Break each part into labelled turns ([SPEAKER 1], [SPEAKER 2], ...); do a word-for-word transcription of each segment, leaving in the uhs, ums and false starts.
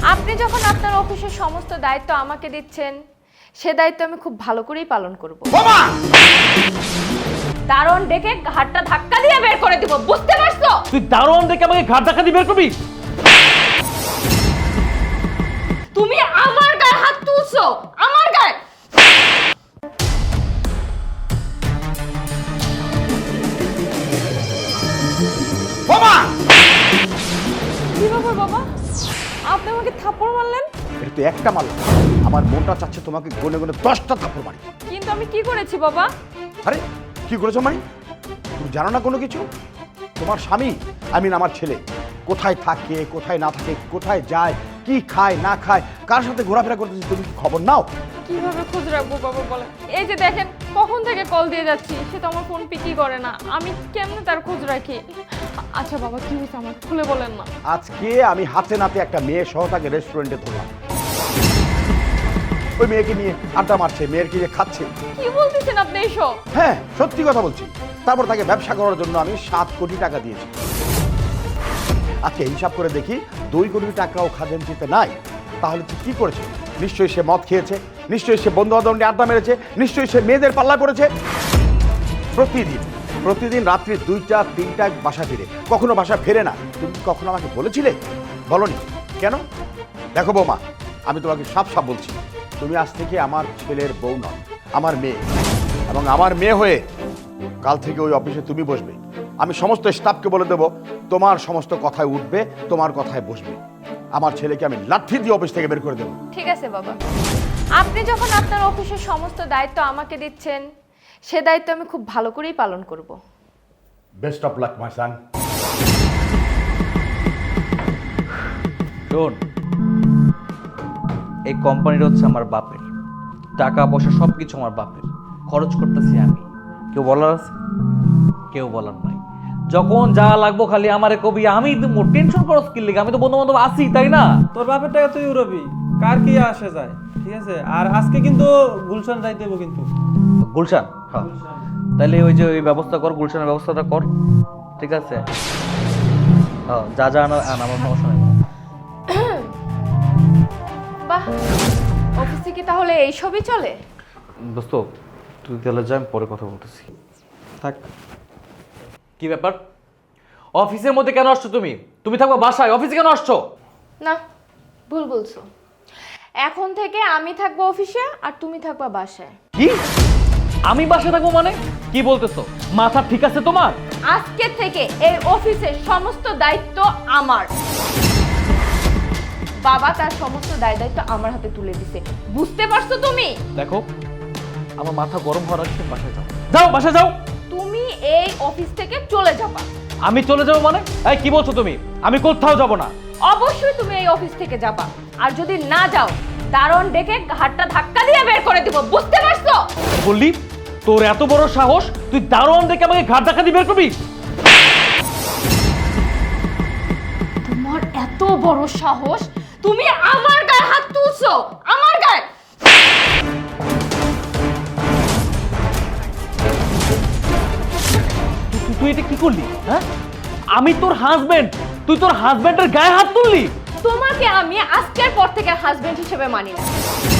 [SPEAKER 1] আপনি যখন আপনার অফিসের সমস্ত দায়িত্ব আমাকে দিচ্ছেন, সে দায়িত্ব আমি খুব ভালো করেই পালন করব। দারোয়ান ডেকে ঘাটটা ধাক্কা দিয়ে বের করে দিব, বুঝতে পারছো?
[SPEAKER 2] তুই দারোয়ান ডেকে আমাকে ঘাট ধাক্কা দিয়ে বের করবি?
[SPEAKER 1] তুমি আমার গায়ে হাত তুলছো, আমার গায়ে।
[SPEAKER 3] বাবা!
[SPEAKER 1] কি ব্যাপার বাবা, আপনি আমাকে থাপ্পড় মারলেন?
[SPEAKER 3] এটা তো একটা মারলাম, আমার মনটা চাচ্ছে তোমাকে গনে গনে দশটা থাপ্পড় মারি।
[SPEAKER 1] কিন্তু আমি কি করেছি বাবা?
[SPEAKER 3] আরে কি করেছো মানে? তুমি জানো না কোনো কিছু? তোমার স্বামী, আই মিন আমার ছেলে, কোথায় থাকে কোথায় না থাকে, কোথায় যায়, কি খায় না খায়, কার সাথে ঘোরাফেরা করতেছে, তুমি কি খবর নাও?
[SPEAKER 1] কিভাবে খোঁজ রাখবো বাবা বলেন? এই যে দেখেন কখন থেকে কল দিয়ে যাচ্ছি, সে তো আমার ফোন পিকই করে না, আমি কেমনে তার খোঁজ রাখি? আচ্ছা বাবা, কি হয়েছে আমার খুলে বলেন না।
[SPEAKER 3] আজকে আমি হাতে নাতে একটা মেয়ে সহ তাকে রেস্টুরেন্টে ধরলাম। ওই মেয়েকে নিয়ে আড্ডা মারছে, মেয়ের নিয়ে খাচ্ছে।
[SPEAKER 1] কি বলতেছেন আপনি এইসব?
[SPEAKER 3] হ্যাঁ, সত্যি কথা বলছি। তারপর তাকে ব্যবসা করার জন্য আমি সাত কোটি টাকা দিয়েছি। আজকে হিসাব করে দেখি দুই কোটি টাকাও খাজাঞ্চিতে নাই। তাহলে তুই কি করেছে? নিশ্চয়ই সে মদ খেয়েছে, নিশ্চয়ই সে বন্ধু বান্ধব আড্ডা মেরেছে, নিশ্চয়ই সে মেয়েদের পাল্লা করেছে। প্রতিদিন প্রতিদিন রাত্রি দুইটা তিনটায় বাসা ফিরে, কখনো বাসা ফেরে না। তুমি কি কখনো আমাকে বলেছিলে? বলনি কেন? দেখো বৌমা, আমি তোমাকে সাফ সাফ বলছি, তুমি আজ থেকে আমার ছেলের বউ নয়, আমার মেয়ে। এবং আমার মেয়ে হয়ে কাল থেকে ওই অফিসে তুমি বসবে। আমি সমস্ত স্টাফকে বলে দেবো তোমার সমস্ত কথায় উঠবে, তোমার কথায় বসবে। আমার ছেলেকে আমি লাঠি দিয়ে অফিস থেকে বের করে দেবো।
[SPEAKER 1] ঠিক আছে বাবা, আপনি যখন আপনার অফিসের সমস্ত দায়িত্ব আমাকে দিচ্ছেন, সে দায়িত্ব আমি খুব ভালো করেই পালন করব।
[SPEAKER 3] Best of luck my son.
[SPEAKER 2] শোন, এই কোম্পানিটা হচ্ছে আমার বাপের, টাকা পয়সা সব কিছু আমার বাপের, খরচ করতেছি আমি। কেউ বলার আছে? কেউ বলার নাই। যখন যা লাগবো খালি আমারে কবি, আমি টেনশন করো স্কিল লিগে, আমি তো বন্ধু বান্ধব আছি, তাই না?
[SPEAKER 4] তোর বাপের টাকা তুই উড়াবি, কার কি আসে যায়, ঠিক আছে? আর আজকে কিন্তু গুলশান যাইতে হবে কিন্তু।
[SPEAKER 2] গুলশান? হ্যাঁ, তাহলে ওই যে ওই ব্যবস্থা কর, গুলশানের ব্যবস্থাটা কর, ঠিক আছে? হ্যাঁ, যা যা আনা আন, আমার সমস্যা নেই।
[SPEAKER 1] বাহ, অফিসে কি তাহলে এইসবই চলে?
[SPEAKER 2] দোস্ত, তুই তাহলে যা, আমি পরে কথা বলতেছি।
[SPEAKER 4] থাক।
[SPEAKER 2] কি ব্যাপার? অফিসের মধ্যে কেন আসছো তুমি? তুমি থাকবা বাসায়, অফিসে কেন আসছো?
[SPEAKER 1] না, ভুল বলছো। এখন থেকে আমি থাকবো অফিসে আর তুমি থাকবা বাসায়।
[SPEAKER 2] কি? আমি বাসায় থাকবো মানে? কি বলতেছো? মাথা ঠিক আছে তোমার?
[SPEAKER 1] আজকে থেকে এই অফিসের সমস্ত দায়িত্ব আমার। বাবা তার সমস্ত দায় দায়িত্ব আমার হাতে তুলে দিছে, বুঝতে পারছো তুমি?
[SPEAKER 2] দেখো, আমার মাথা গরম হওয়ার আগে বাসায় যাও। যাও, বাসায় যাও।
[SPEAKER 1] তুমি এই অফিস থেকে চলে যাবা।
[SPEAKER 2] আমি চলে যাবো মানে? এই কি বলছো তুমি? আমি কোথাও যাব না।
[SPEAKER 1] অবশ্যই তুমি এই অফিস থেকে যাবা, আর যদি না যাও দারোয়ান ডেকে ঘাটটা ধাক্কা দিয়ে বের করে দিব, বুঝতে পারছো?
[SPEAKER 2] বললি তোর এত বড় সাহস, তুই দারোয়ান দেখে আমাকে ঘাট ধাক্কা দিয়ে বের করবি?
[SPEAKER 1] তোমার এত বড় সাহস, তুমি আমার গায়ে হাত তুলছো, আমার গায়ে।
[SPEAKER 2] তুই তুই এটা কি করলি? হ্যাঁ, আমি তোর হাজবেন্ড, তুই তোর হাজবেন্ডের গায়ে হাত তুললি?
[SPEAKER 1] তোমাকে আমি আজকের পর থেকে হাজবেন্ড হিসেবে মানি না।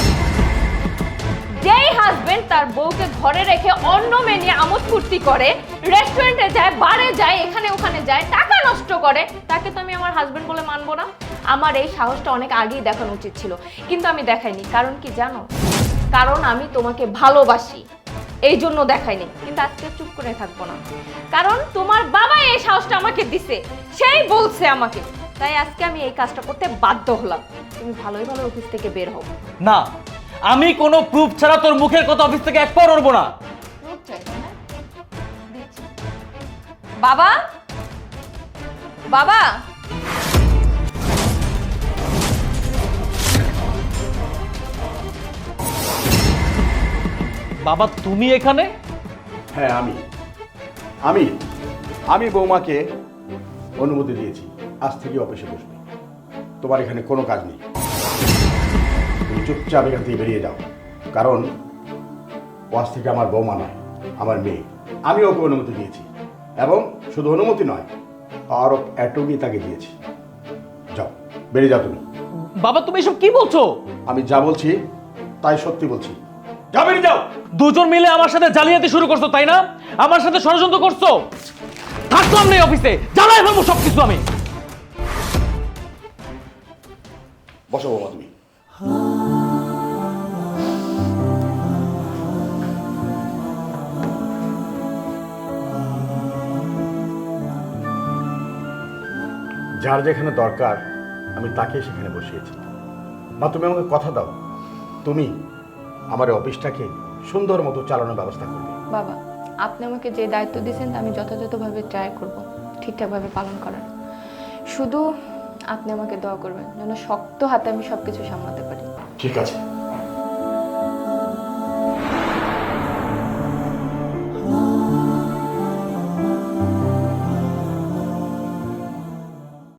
[SPEAKER 1] যেই হাজবেন্ড তার বউকে ঘরে রেখে অন্য মেয়ে নিয়ে আমোদ ফুর্তি করে, রেস্টুরেন্টে যায়, বারে যায়, এখানে ওখানে যায়, টাকা নষ্ট করে, তাকে তো আমি আমার হাজবেন্ড বলে মানবো না। আমার এই সাহসটা অনেক আগেই দেখানো উচিত ছিল, কিন্তু আমি দেখাইনি। কারণ কি জানো? কারণ আমি তোমাকে ভালোবাসি, এই জন্য দেখাইনি। কিন্তু আজকে চুপ করে থাকবো না, কারণ তোমার বাবা এই সাহসটা আমাকে দিছে, সেই বলছে আমাকে, তাই আজকে আমি এই কাজটা করতে বাধ্য হলাম। তুমি ভালোই ভালো অফিস থেকে বের হও।
[SPEAKER 2] না, আমি কোনো প্রুফ ছাড়া তোর মুখের কথা অফিস থেকে এক পা নড়বো না।
[SPEAKER 1] প্রুফ চাই না? দিচ্ছি। বাবা, বাবা,
[SPEAKER 2] বাবা তুমি এখানে?
[SPEAKER 3] হ্যাঁ, আমি আমি আমি বৌমাকে অনুমতি দিয়েছি আজ থেকে অফিসে বসবে। তোমার এখানে কোনো কাজ নেই, তুমি চুপচাপ এখান থেকে বেরিয়ে যাও। কারণ ও আজ থেকে আমার বৌমা নয়, আমার মেয়ে। আমি ওকে অনুমতি দিয়েছি, এবং শুধু অনুমতি নয়, আরও এটুকুই তাকে দিয়েছি। যাও, বেরিয়ে যাও তুমি।
[SPEAKER 2] বাবা তুমি এসব কি বলছো?
[SPEAKER 3] আমি যা বলছি তাই সত্যি বলছি। যাও বেরিয়ে যাও।
[SPEAKER 2] দুজন মিলে আমার সাথে জালিয়াতি শুরু করছো তাই না? আমার সাথে ষড়যন্ত্র করছো। থাকলাম না এই অফিসে, জ্বালাই ফেলবো সবকিছু আমি।
[SPEAKER 3] বসো বৌমা তুমি। যার যেখানে দরকার আমি তাকে সেখানে বসিয়েছি। মা তুমি আমাকে কথা দাও, তুমি আমার এই অফিসটাকে সুন্দর মতো চালানোর ব্যবস্থা করবে।
[SPEAKER 1] বাবা, আপনি আমাকে যে দায়িত্ব দিয়েছেন আমি যথাযথভাবে ট্রাই করব ঠিকঠাকভাবে পালন করার। শুধু আপনি আমাকে দোয়া করবেন যেন শক্ত হাতে আমি সব কিছু সামলাতে পারি।
[SPEAKER 3] ঠিক আছে।